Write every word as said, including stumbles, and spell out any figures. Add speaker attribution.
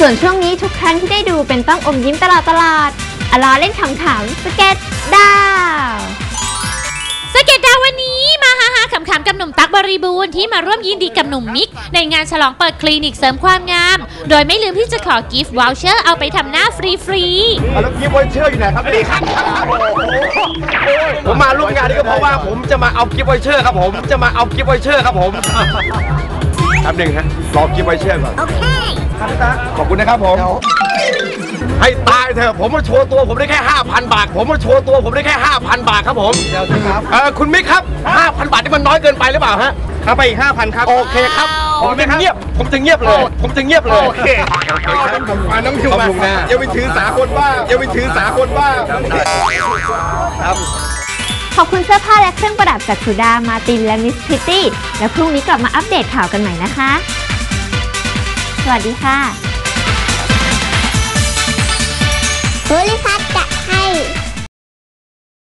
Speaker 1: ส่วนช่วงนี้ทุกครั้งที่ได้ดูเป็นต้องอมยิ้มตลอดตลอดอลาเล่นขำๆสเก็ตดาว
Speaker 2: สเก็ตดาววันนี้มาฮาฮาขำๆกับหนุ่มตั๊กบริบูรณ์ที่มาร่วมยินดีกับหนุ่มมิกในงานฉลองเปิดคลินิกเสริมความงามโดยไม่ลืมที่จะขอกิฟต์วอลเชอร์เอาไปทำหน้าฟรีๆ
Speaker 3: แล้วกิฟต์วอลเชอร์อยู่ไหนครับนี่ครับผมมาร่วมงานนี้ก็เพราะว่าผมจะมาเอากิฟต์วอลเชอร์ครับผมจะมาเอากิฟต์วอลเชอร์ครับผมแป๊บหนึ่งฮะรอกิฟต์วอลเชอร์ก่อนโอเคครับพี่ตาขอบคุณนะครับผมให้ตายเถอะผมมาโชว์ตัวผมได้แค่ ห้าพัน บาทผมมาโชว์ตัวผมได้แค่ ห้าพัน บาทครับผมเดี๋ยวครับเออคุณมิกครับ ห้าพัน บาทนี่มันน้อยเกินไปหรือเปล่าฮะเอาไปอีก ห้าพัน ครับโอเคครับผมจะเงียบผมจะเงียบเลยผมจะเงียบเลยโอเคน้องพิวมาอย่าไปถือสาคนว่าอย่าไปถือสาคนว่าครับ
Speaker 1: ขอบคุณเสื้อผ้าและเครื่องประดับจากสุดามาตินและมิสพิตตี้แล้วพรุ่งนี้กลับมาอัปเดตข่าวกันใหม่นะคะสวัสดีค่ะ
Speaker 4: สวัสดีค่ะ